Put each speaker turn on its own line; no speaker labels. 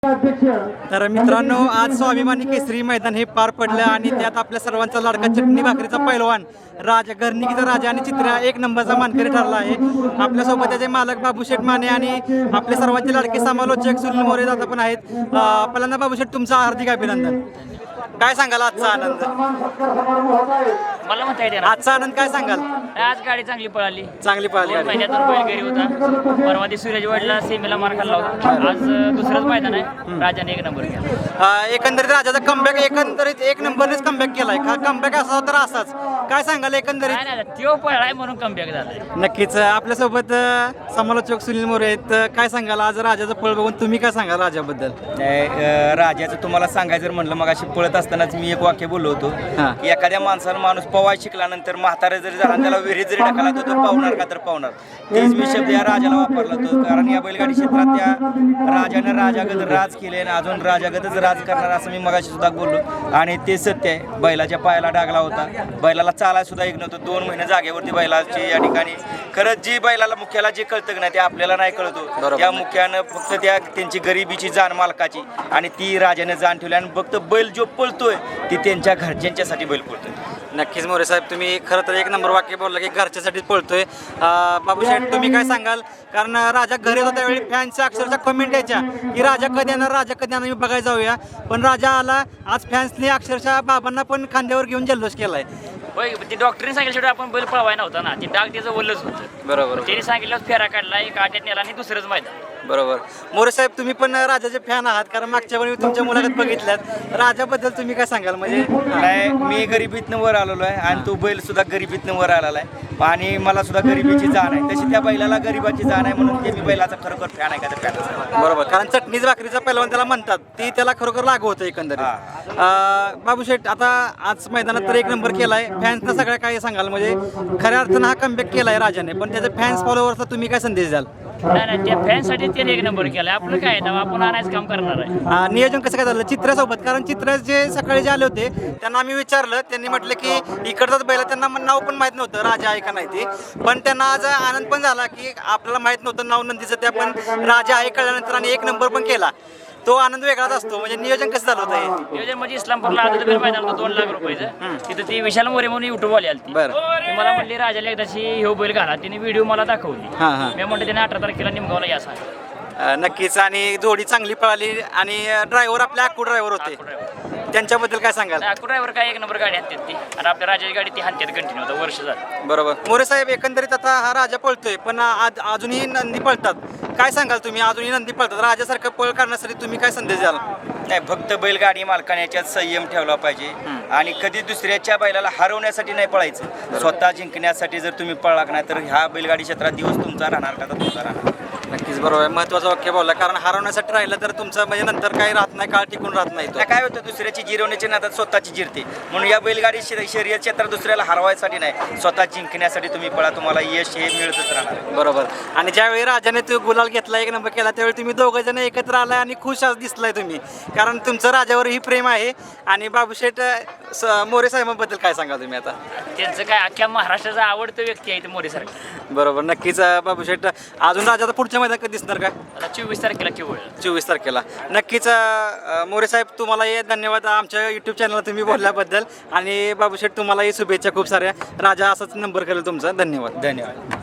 तर मित्रांनो, आज स्वाभिमानी केसरी मैदान हे पार पडलं आणि त्यात आपल्या सर्वांचा लाडका चटणी भाकरीचा पैलवान राजा घरणिकीचा राजा आणि चित्रा एक नंबरचा मानकरी ठरला आहे. आपल्यासोबत त्याचे मालक बाबूशेठ माने आणि आपले सर्वांचे लाडके समालोचक सुनील मोरे दादा पण आहेत. पहिल्यांदा बाबूशेठ, तुमचं हार्दिक अभिनंदन. काय सांगाल आजचा आनंद?
मला म्हणता येते
आजचा आनंद काय सांगाल?
आज गाडी चांगली पळाली,
चांगली पळाली.
महिन्यातून बैल घरी होता. परवा दिवशी सूरजवाडीला सेमीला मार खाल्ला होता. आज दुसरंच मैदान आहे, राजाने एक नंबर केला.
एकंदरीत राजाचा कमबॅक एकंदरीत एक नंबरनेच कमबॅक केलाय. कमबॅक असा तर असाच काय सांगाल एकंदरीत?
नाही तो पळाय म्हणून कमबॅक झालाय.
नक्कीच. आपल्यासोबत समालोचक सुनील मोरे आहेत. काय सांगाल आज राजाचं पळ बघून? तुम्ही काय सांगाल राजाबद्दल?
राजाचं तुम्हाला सांगायचं जर म्हणलं, मग अशी पळत असतानाच मी एक वाक्य बोललो होतो की एखाद्या माणसानं माणूस पवाय शिकल्यानंतर म्हातारा जरी झाला त्याला विहिरीत जरी टाकला तो पावणार का तर पावणार. तेच मी शब्द या राजाला वापरला होतो, कारण या बैलगाडी क्षेत्रात त्या राजाने राजागत राज केले आणि अजून राजागतच राज करणार असं मी मगाशी सुद्धा बोललो आणि ते सत्य आहे. बैलाच्या पायाला डागला होता, बैलाला चालाय सुद्धा एक नव्हतं. 2 महिने जागेवरती बैलाची या ठिकाणी खरंच जी बैलाला मुख्याला जे कळतं नाही ते आपल्याला नाही कळतो. त्या मुख्यानं फक्त त्यांची गरिबीची जाण मालकाची आणि ती राजाने जाण ठेवली आणि फक्त बैल जो पळतोय ती त्यांच्या घरच्यांच्यासाठी बैल पळतोय.
नक्कीच मोरे साहेब, तुम्ही खरं तर एक नंबर वाक्य बोलला की घरच्यासाठीच पळतोय. बाबूशेठ, तुम्ही काय सांगाल? कारण राजा घरी होता त्यावेळी फॅन्सच्या अक्षरशः कमेंट यायच्या की राजा कधी येणार, राजा कधी येणार, मी बघायला जाऊया. पण राजा आला. आज फॅन्सने अक्षरशः बाबांना पण खांद्यावर घेऊन जल्लोष केलाय.
ती डॉक्टरने सांगितलं आपण बैल पळवाय नव्हता ना, ती डाग त्याचं वल्लच होतं.
बरोबर.
त्यांनी सांगितलं फेरा काढला, एक आट्यात नेला आणि दुसरंच मैदान.
बरोबर. मोरे साहेब, तुम्ही पण राजाचे फॅन आहात, कारण मागच्या वेळी तुमच्या मुलाखत बघितल्यात. राजाबद्दल तुम्ही काय सांगाल? म्हणजे
नाही, मी गरिबीतनं वर आलेलो आहे आणि तो बैल सुद्धा गरिबीतनं वर आलेला आहे आणि मला सुद्धा गरिबीची जाण आहे. तशी त्या बैलाला गरिबाची जाण आहे म्हणून ते मी बैलाचा खरोखर फॅन आहे का तर फॅन.
बरोबर, कारण चटणीच भाकरीचा पहिलवान त्याला म्हणतात, ती त्याला खरोखर लागू होतं एकंदरीत. बाबूशेठ, आता आज मैदानात तर एक नंबर केलाय. फॅन्सना सगळ्या काय सांगाल? म्हणजे खऱ्या अर्थानं हा कमबॅक केलाय राजाने, पण त्याचे फॅन्स फॉलोअर्सला तुम्ही काय संदेश द्याल?
नाही, त्या फॅनसाठी त्याने एक नंबर केलाय. आपलं काय आहे, आपण आणायचं काम करणार आहे.
नियोजन कसं काय झालं चित्रासोबत? कारण चित्र जे सकाळी जे आले होते त्यांना आम्ही विचारलं, त्यांनी म्हटलं की इकडचाच बैल, त्यांना नाव पण माहीत नव्हतं राजा आहे का नाही ते. पण त्यांना आज आनंद पण झाला की आपल्याला माहीत नव्हतं नाव नंदीचं, त्या पण राजा आहे कळल्यानंतर आणि एक नंबर पण केला. तो आनंद वेगळाच असतो. म्हणजे नियोजन कसं झालं होतं हे?
नियोजन म्हणजे इस्लामपूरला आदत मैदान होतं 2 लाख रुपयाचं. तिथं ती विशाल मोरे म्हणून युट्यूब वाली आली. ती मला म्हटली राजाला एकदाची हे बैल घाला. तिने व्हिडिओ मला दाखवली. मी म्हटलं त्याने 18 तारखेला निमगावला या सांग.
नक्कीच. आणि जोडी चांगली पळाली आणि ड्रायव्हर आपले अक्कू ड्रायव्हर होते, त्यांच्याबद्दल काय सांगाल?
अक्कू ड्रायव्हर काय एक नंबर गाडी हाणतात ती, आणि आपल्या राजाची गाडी ती हाणतात कंटिन्यू होतं वर्ष झालं.
बरोबर. मोरे साहेब, एकंदरीत आता हा राजा पळतोय पण अजूनही नंदी पळतात. काय सांगाल तुम्ही? अजूनही नंदी पळतात. राजासारखं पळ करण्यासाठी तुम्ही काय संदेश द्याल?
नाही, फक्त बैलगाडी मालकाने याच्यात संयम ठेवला पाहिजे आणि कधी दुसऱ्याच्या बैलाला हरवण्यासाठी नाही पळायचं. स्वतः जिंकण्यासाठी जर तुम्ही पळला नाही तर ह्या बैलगाडी क्षेत्रात दिवस तुमचा राहणार का तर तुमचा राहणार.
नक्कीच बरोबर आहे. महत्वाचं वाक्य बोलला, कारण हरवण्यासाठी राहिलं तर तुमचं म्हणजे नंतर काही राहत नाही, काळ टिकून राहत नाही.
काय होतं, दुसऱ्याची जिरवण्याची नादात स्वतःची जिरते. म्हणून या बैलगाडी शर्यत क्षेत्रात दुसऱ्याला हरवायसाठी नाही, स्वतः जिंकण्यासाठी तुम्ही पळा, तुम्हाला यश हे मिळतच राहणार.
बरोबर. आणि ज्यावेळी राजाने तो गुलाल घेतला, एक नंबर केला, त्यावेळी तुम्ही दोघं जण एकत्र आलाय आणि खुश आज दिसलाय तुम्ही, कारण तुमचं राजावरही प्रेम आहे. आणि बाबूशेठ मोरे साहेबांबद्दल काय सांगा तुम्ही? आता
त्यांचं काय अख्ख्या महाराष्ट्राचा आवडतं व्यक्ती आहे ते मोरे सारखं.
बरोबर. नक्कीच. बाबूशेठ, अजून राजाचा पुढच्या मैदान कधी दिसणार का?
आता 24 तारखेला केवळ
24 तारखेला. नक्कीच. मोरे साहेब, तुम्हालाही धन्यवाद आमच्या यूट्यूब चॅनलला तुम्ही बोलल्याबद्दल. आणि बाबूशेठ, तुम्हालाही शुभेच्छा खूप साऱ्या. राजा असाच नंबर करेल तुमचा. धन्यवाद.
धन्यवाद.